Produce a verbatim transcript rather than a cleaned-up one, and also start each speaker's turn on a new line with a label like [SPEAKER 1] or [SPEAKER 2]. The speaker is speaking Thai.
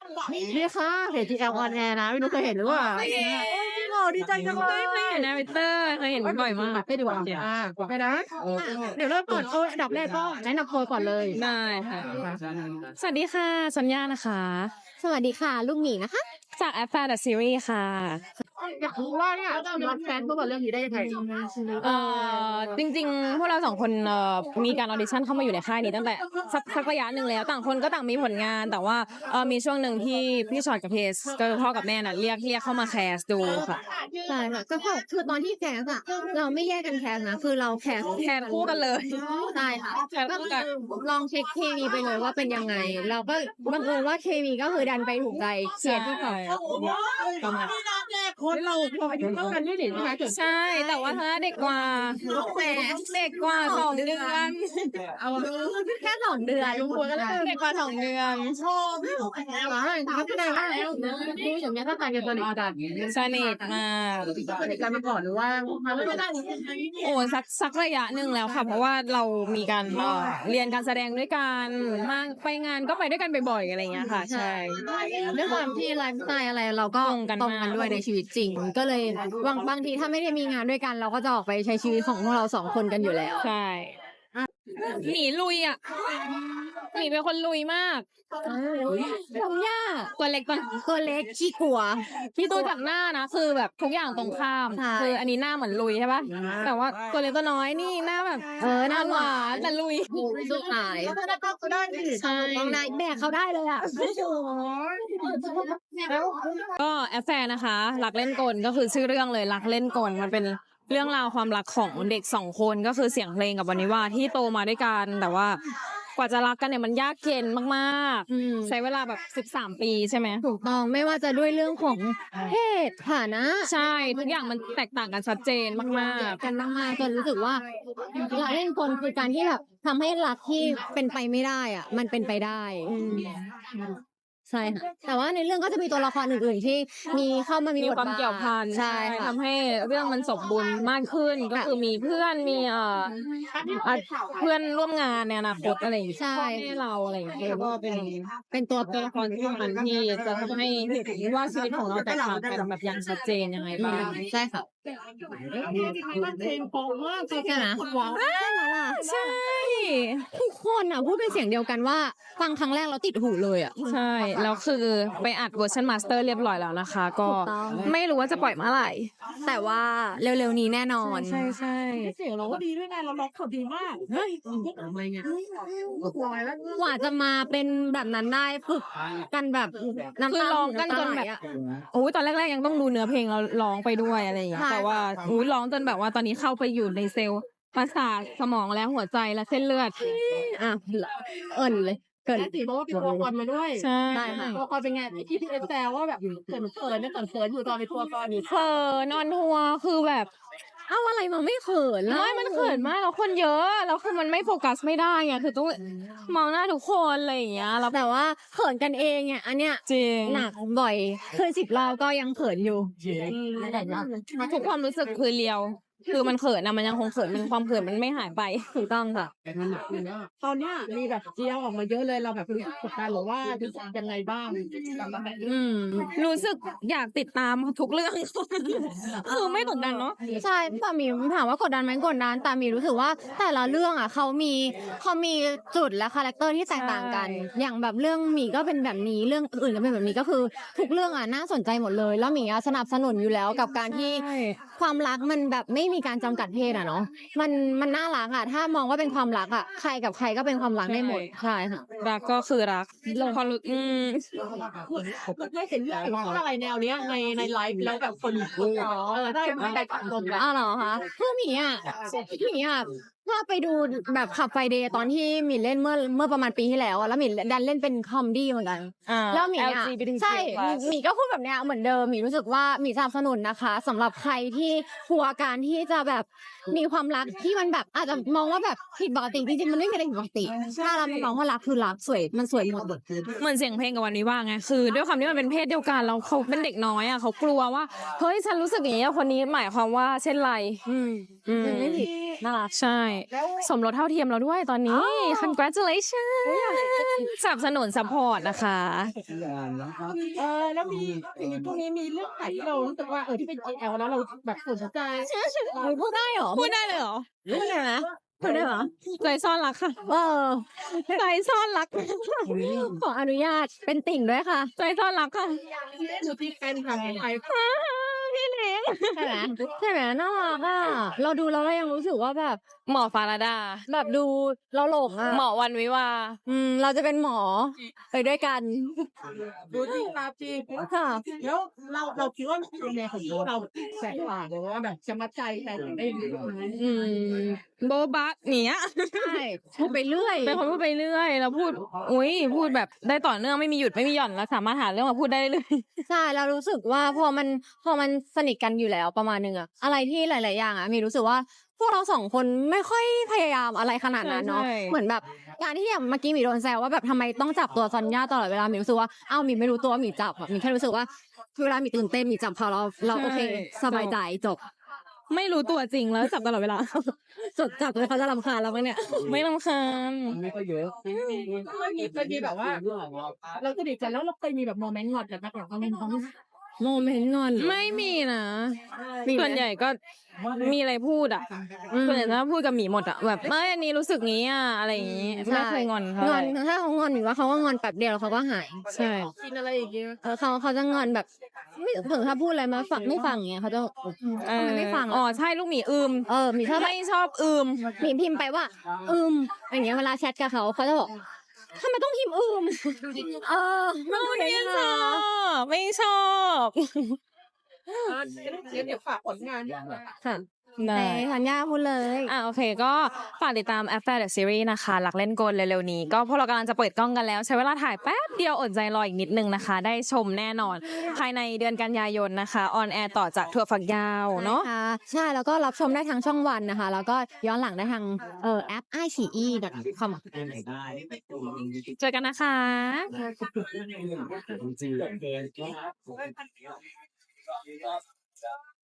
[SPEAKER 1] นี่ค่ะเพจ จี แอล on air นะไม่รู้เคยเห็นหรือเปล่าจริงเหรอดีใจจังเลย
[SPEAKER 2] เคยเห็นในทวิตเตอร์เคยเห็นบ่อยมาก
[SPEAKER 1] ไปดีกว่าอ่าไปนะเดี๋ยวเริ่มก่อนโอ้อันดับแรกก็แนะนำตัวก่อนเลย
[SPEAKER 2] ได้ค่ะสวัสดีค่ะสัญญานะคะ
[SPEAKER 3] สวัสดีค่ะลูกหมีนะคะ
[SPEAKER 2] จากแอปแฟร์เดอะซีรีส์ค่ะ
[SPEAKER 1] อยากรู้ว่าเนี่ยรับแฟนเมื่อวันเรื่องนี้ได้ยังไง
[SPEAKER 2] เอ่อจริงๆพวกเราสองคนเอ่อมีการออดิชั่นเข้ามาอยู่ในค่ายนี้ตั้งแต่สักสักระยะหนึ่งแล้วต่างคนก็ต่างมีผลงานแต่ว่าเอ่อมีช่วงหนึ่งที่พี่ชอตกับเพสก็คือพ่อกับแม่น่ะเรียกเรียกเข้ามาแคสดูค่ะ
[SPEAKER 3] ใช่ค่ะก็คือคือตอนที่แคสอะเราไม่แยกกันแคสนะคือเราแคส
[SPEAKER 2] แคสคู่กันเลย
[SPEAKER 3] ใช่ค่ะ
[SPEAKER 2] แคส
[SPEAKER 3] ก็
[SPEAKER 2] คู่
[SPEAKER 3] คื
[SPEAKER 2] กัน
[SPEAKER 3] อลองเช็คเคมีไปเลยว่าเป็นยังไง เราก็บังเอิญว่าเคมีก็คือดันไปถูกใจเสียที่เขา
[SPEAKER 2] ประมาณ
[SPEAKER 1] คนเราเราอายุเท่ากันนี่หนิใช่ไหม
[SPEAKER 2] ใช่แต่ว่าเธอเด็กกว่า
[SPEAKER 3] แหม
[SPEAKER 2] เด็กกว่าสองเดือน
[SPEAKER 1] เอา
[SPEAKER 3] แค่สองเดือน
[SPEAKER 1] ลุงควรก็ได้
[SPEAKER 2] เด็กกว่าสองเดือน
[SPEAKER 1] ชอบหลายทักได้ว่าแล้วดูอย่างเงี้ยถ้าตายกันตอนนี้กัน
[SPEAKER 2] สนิทมาก
[SPEAKER 1] สนิทกันมาก่อนหรือว่าไม่ได้
[SPEAKER 2] โอ้สักสักระยะหนึ่งแล้วค่ะ เพราะว่าเรามีการเอ่อเรียนการแสดงด้วยกันมาไปงานก็ไปด้วยกันบ่อยๆอะไรอย่างเงี้ยค่ะ ใช่
[SPEAKER 3] ด้วยความที่ไลฟ์สไตล์อะไรเราก็
[SPEAKER 2] ตรงกัน
[SPEAKER 3] ตรง
[SPEAKER 2] มาก
[SPEAKER 3] กันด้วยในชีวิตจริง ก็เลยบางบางทีถ้าไม่ได้มีงานด้วยกัน เราก็จะออกไปใช้ชีวิตของพวกเราสองคนกันอยู่แล้ว
[SPEAKER 2] ใช่หนีลุยอ่ะหนีเป็นคนลุยมาก
[SPEAKER 3] ทำยาก
[SPEAKER 2] ตัวเล็กตัว
[SPEAKER 3] ตัวเล็กขี้กลัว
[SPEAKER 2] พี่ตู้จากหน้านะคือแบบทุกอย่างตรงข้าม
[SPEAKER 3] ใช่
[SPEAKER 2] คืออันนี้หน้าเหมือนลุยใช่ปะแต่ว่าตัวเล็กตัวน้อยนี่หน้าแบบ
[SPEAKER 3] เออหน้าหวาน
[SPEAKER 2] แต่ลุย
[SPEAKER 3] สุดท้าย
[SPEAKER 1] ก็ได้ดิ
[SPEAKER 2] ใช่
[SPEAKER 3] น้องนายแบกเขาได้เลยอ่ะ
[SPEAKER 2] ก็แอฟแฟร์นะคะรักเล่นกลก็คือชื่อเรื่องเลยรักเล่นกลมันเป็นเรื่องราวความรักของเด็กสองคนก็คือเสียงเพลงกับวานิว่าที่โตมาด้วยกันแต่ว่ากว่าจะรักกันเนี่ยมันยากเย็นมาก
[SPEAKER 3] อืม
[SPEAKER 2] ๆ ใช้เวลาแบบสิบสามปีใช่ไหม
[SPEAKER 3] ถูกต้องไม่ว่าจะด้วยเรื่องของเพศฐานะ
[SPEAKER 2] ใช่ทุกอย่างมันแตกต่างกันชัดเจนมาก
[SPEAKER 3] กันมากๆจนรู้สึกว่ารักเล่นคนคือการที่แบบทำให้รักที่เป็นไปไม่ได้อ่ะ มันเป็นไปได้อืมใช่ค่ะแต่ว่าในเรื่องก็จะมีตัวละครอื่นๆที่มีเข้ามา
[SPEAKER 2] ๆ
[SPEAKER 3] มี
[SPEAKER 2] มี
[SPEAKER 3] บท
[SPEAKER 2] ความ
[SPEAKER 3] บาท
[SPEAKER 2] เกี่ยวพัน
[SPEAKER 3] ใช่ค่ะ
[SPEAKER 2] ทำให้เรื่องมันสมบูรณ์มากขึ้นก็คือมีเพื่อนมีเอ่ออ่ะเพื่อนร่วมงานในอนาคตอะไรอย่างเงี้ย
[SPEAKER 3] ใช่
[SPEAKER 2] พ่อแม่เราอะไรอย่างเงี้ยก็เป็น
[SPEAKER 3] เป็นตัว
[SPEAKER 2] ตัวละครที่สำคัญที่จะทำให้เห็นว่าชีวิตของเราแตกต่างกันแบบอย่างชัดเจนยังไงบ้าง
[SPEAKER 3] ใช่ค่ะ
[SPEAKER 1] เพลงปองมาก
[SPEAKER 3] ใช่ไหม
[SPEAKER 1] ว้าว
[SPEAKER 2] ใช่
[SPEAKER 3] ทุกคนอ่ะพูดเป็นเสียงเดียวกันว่าฟังครั้งแรกเราติดหูเลยอ่ะ
[SPEAKER 2] ใช่แล้วคือไปอัดเวอร์ชันมาสเตอร์เรียบร้อยแล้วนะคะ ก็
[SPEAKER 3] ถูกต้อง
[SPEAKER 2] ไม่รู้ว่าจะปล่อยเมื่อไหร่
[SPEAKER 3] แต่ว่าเร็วๆนี้แน่นอน
[SPEAKER 2] ใช่ใช่
[SPEAKER 1] เสียงเราก็ดีด้วยไงเราล็อกเขาดีมากเฮ้ยทำไมเนี่ยลอยแล้ว
[SPEAKER 3] กว่าจะมาเป็นแบบนั้นได้ฝึกกันแบบน้ำ
[SPEAKER 2] คือ
[SPEAKER 3] ตา
[SPEAKER 2] ร้องกันจนแบบ
[SPEAKER 3] ำตาไหลอะ
[SPEAKER 2] โอ้ยตอนแรกๆยังต้องดูเนื้อเพลงเราร้องไปด้วยอะไรอย่างเงี้ย
[SPEAKER 3] ใช่
[SPEAKER 2] แต่ว่าอุ้ยร้องจนแบบว่าตอนนี้เข้าไปอยู่ในเซลล์ประสาทสมองและหัวใจและเส้นเลือด
[SPEAKER 3] อ่ะเอิญเลยเกิน
[SPEAKER 1] แค่ตีเพราะว่าเป็นตัวละครมาด้วย
[SPEAKER 2] ใช่
[SPEAKER 3] ได้ค่ะ
[SPEAKER 1] ตัวละครเป็นไงที่พี่เอสแซวว่าแบบเขินเขินเนี่ยเขินเขินอยู่ตอนเป็นตัวละครอยู่
[SPEAKER 2] เขินนอนทัวร์คือแบบ
[SPEAKER 3] เอาอะไรมาไม่เขินแล้ว
[SPEAKER 2] ไม่มันเขินมากแล้วคนเยอะแล้วคือมันไม่โฟกัสไม่ได้ไงคือต้องมองหน้าทุกคนอะไรอย่างเงี้ยแล้ว
[SPEAKER 3] แต่ว่าเขินกันเองเนี่ยอันเนี้ย
[SPEAKER 2] จริง
[SPEAKER 3] หนักบ่อยเคยสิบรอบก็ยังเขินอยู่
[SPEAKER 2] ทุกความรู้สึกคือเรียว คือมันเขินนะมันยังคงเขินมันความเขินมันไม่หายไป
[SPEAKER 3] ถูกต้องค่ะ
[SPEAKER 1] ตอนเนี้ยมีแบบเจียวออกมาเยอะเลยเราแบบกดดันหรือว่ารู้สึกยังไงบ้าง
[SPEAKER 2] อืมรู้สึกอยากติดตามทุกเรื่อง คือไม่กดดันเนาะ
[SPEAKER 3] ใช่แต่มีถามว่ากดดันไหมกดดันแต่มีรู้สึกว่าแต่ละเรื่องอ่ะเขามีเขามีจุดและคาแรคเตอร์ที่แตกต่างกัน
[SPEAKER 2] ใช่
[SPEAKER 3] อย่างแบบเรื่องหมีก็เป็นแบบนี้เรื่องอื่นก็เป็นแบบนี้ก็คือทุกเรื่องอ่ะน่าสนใจหมดเลย แล้วหมีอ่ะสนับสนุนอยู่แล้วกับการที่
[SPEAKER 2] ใช่
[SPEAKER 3] ความรักมันแบบไม่มีการจำกัดเพศอ่ะเนาะมันมันน่ารักอ่ะถ้ามองว่าเป็นความรักอ่ะใครกับใครก็เป็นความรักได้หมดใช่ค่ะ
[SPEAKER 2] รักก็คือรักพอรู้อืม
[SPEAKER 1] ไม่เห็นเรื่องอะไรแนวเนี้ยในในไลฟ์แล้วแบบคนอ๋อได้ไม่ได้ตัดลมแล้ว
[SPEAKER 3] อ้าวเหรอคะคือหมีอ่ะหมีอ่ะถ้าไปดูแบบขับไฟเดย์ตอนที่หมีเล่นเมื่อเมื่อประมาณปีที่แล้วอะแล้วหมีดันเล่นเป็นคอมดี้เหมือนกัน
[SPEAKER 2] อ่า
[SPEAKER 3] แล้วหมี
[SPEAKER 2] แอล
[SPEAKER 3] อ่ะ
[SPEAKER 2] จี บี ที
[SPEAKER 3] ใช่
[SPEAKER 2] plus
[SPEAKER 3] หมีก็พูดแบบเนี้ยเหมือนเดิมหมีรู้สึกว่าหมีสนับสนุนนะคะสำหรับใครที่กลัวการที่จะแบบมีความรักที่มันแบบอาจจะมองว่าแบบผิดปกติจริงๆมันไม่มีอะไรผิดปกติถ้าเรามองว่ารักคือรักสวยมันสวยหมด
[SPEAKER 2] เหมือนเสียงเพลงกับวันนี้ว่าไงคือด้วยความที่มันเป็นเพศเดียวกันแล้วเขาเป็นเด็กน้อยอ่ะเขากลัวว่าเฮ้ยฉันรู้สึกอย่างนี้กับคนนี้หมายความว่าเช่นไร
[SPEAKER 3] อืม
[SPEAKER 2] อืม
[SPEAKER 3] มันไม่ผิดน่ารัก
[SPEAKER 2] ใช่ สมรสเท่าเทียมเราด้วยตอนนี้ congratulations สนับสนุน support นะคะ
[SPEAKER 1] เออแล้วมีมีพวกนี้มีเรื่องไหนที่เรารู้สึกว่าเออที่เป็น จี แอล แล้วเราแบบสนใจ
[SPEAKER 3] พูดได้เหรอ
[SPEAKER 2] พูดได้เลยเหรอ
[SPEAKER 3] พูดได้ไหมพูดได้เหรอ
[SPEAKER 2] ใจซ่อนรักค่ะ
[SPEAKER 3] เออ
[SPEAKER 2] ใจซ่อนรัก
[SPEAKER 3] ขออนุญาตเป็นติ่งด้วยค่ะ
[SPEAKER 2] ใจซ่อนรักค่ะ
[SPEAKER 1] ดูที่แฟนคลับไทย
[SPEAKER 2] พี่เล้ง
[SPEAKER 3] ใช่ไหมใช่ไหมน่ารักอ่ะเราดูแล้วเรายังรู้สึกว่าแบบ
[SPEAKER 2] หมอฟาราดา
[SPEAKER 3] แบบดูเราหลงอ่ะ
[SPEAKER 2] หมอวันวิวา
[SPEAKER 3] อืมเราจะเป็นหมอไปด้วยกัน
[SPEAKER 1] ดูที่ตาจี
[SPEAKER 3] ค่ะ
[SPEAKER 1] แล้วเราเราคิดว่าในแนวของเราแสกต่างหรือว่าแบบจะมาใจแต่ได้ไหม
[SPEAKER 3] อืม
[SPEAKER 2] โบบะเนี้ย
[SPEAKER 3] ใช่พูดไปเรื่อย
[SPEAKER 2] เป็นคนพูดไปเรื่อยแล้วพูด อุ้ยพูดแบบได้ต่อเนื่องไม่มีหยุดไม่มีหย่อนแล้วสามารถหาเรื่องมาพูดได้เลย
[SPEAKER 3] ใช่เรารู้สึกว่าพอมันพอมันสนิทกันอยู่แล้วประมาณนึงอะอะไรที่หลาย ๆ อย่างอะมีรู้สึกว่าพวกเราสองคนไม่ค่อยพยายามอะไรขนาดนั้นเนาะ
[SPEAKER 2] ใช่
[SPEAKER 3] เหมือนแบบการที่อย่างเมื่อกี้หมีโดนแซวว่าแบบทำไมต้องจับตัวซอนย่าตลอดเวลาหมีรู้สึกว่าอ้าวหมีไม่รู้ตัวว่าหมีจับอะหมีแค่รู้สึกว่าเวลาหมีตื่นเต้นหมีจับพอเราเราโอเคสบายใจจบ
[SPEAKER 2] ไม่รู้ตัวจริงแล้วจับตลอดเวลา
[SPEAKER 3] จดจับเลยเขาจะรำคาญเราไหมเนี่ย
[SPEAKER 2] ไม่รำคาญ
[SPEAKER 1] ไม่ค่อยเยอะเคยมีเคยมีแบบว่า เราสนิทกันแล้วเราเคยมีแบบโมเมนต์งอนกันมาก่อนเขาไม่เขา
[SPEAKER 3] โมเมนต์งอน
[SPEAKER 2] ไม่มีนะ
[SPEAKER 3] มีไหม
[SPEAKER 2] ส่วนใหญ่ก็มีอะไรพูดอ่ะ
[SPEAKER 3] อืม
[SPEAKER 2] ส่วนใหญ่ถ้าพูดกับหมีหมดอ่ะแบบไม่อันนี้รู้สึกงี้อ่ะอะไรอย่างงี้ไม่เคยงอนเขา
[SPEAKER 3] ง
[SPEAKER 2] เล
[SPEAKER 3] อน
[SPEAKER 2] ย
[SPEAKER 3] ถ้าเขางอนหมีว่าเขาก็งอนแป๊บเดียวแล้วเขาก็หาย
[SPEAKER 2] ใช่
[SPEAKER 1] กินอะไรอย่างเงี้ย
[SPEAKER 3] เออเขาเขาจะงอนแบบไม่ถึงถ้าพูดอะไรมาฟังไม่ฟังอย่างเงี้ยเขาจะ
[SPEAKER 2] เอ
[SPEAKER 3] ทำไม
[SPEAKER 2] อ
[SPEAKER 3] ไม่ฟัง
[SPEAKER 2] อ๋อ
[SPEAKER 3] อ่ะ
[SPEAKER 2] ใช่ลูกหมีอืม
[SPEAKER 3] เออหมีชอบ
[SPEAKER 2] ไม่ชอบอืม
[SPEAKER 3] หมีพิมพ์ไปว่า อืมอย่างเงี้ยเวลาแชทกับเขาเขาจะบอกทำไมต้องพิมพ์อืมเออมัน
[SPEAKER 2] ไม่
[SPEAKER 3] เป็น
[SPEAKER 2] ช
[SPEAKER 3] นะ
[SPEAKER 2] อบไม่ชอบ
[SPEAKER 1] เออเดี๋ยวเดี๋ยวฝากผลงานด้วย
[SPEAKER 3] ค่ะ
[SPEAKER 2] ได้
[SPEAKER 3] ในธัญญาพูดเลย
[SPEAKER 2] อ่ะโอเคก็ฝากติดตาม After the Series นะคะหลักเล่นกลเร็วๆนี้ ก็พวกเรากำลังจะเปิดกล้องกันแล้ว ใช้เวลาถ่ายแป๊บเดียวอดใจรออีกนิดนึงนะคะ ได้ชมแน่นอน ภายในเดือนกันยายนนะคะออนแอร์ต่อจากถั่วฝักยาวเนาะ
[SPEAKER 3] ค่ะใช่แล้วก็รับชมได้ทางช่องวันนะคะ แล้วก็ย้อนหลังได้ทางเอ่อแอป ไอ ซี อี ดอท คอม
[SPEAKER 2] เจอกันนะคะ
[SPEAKER 4] จริง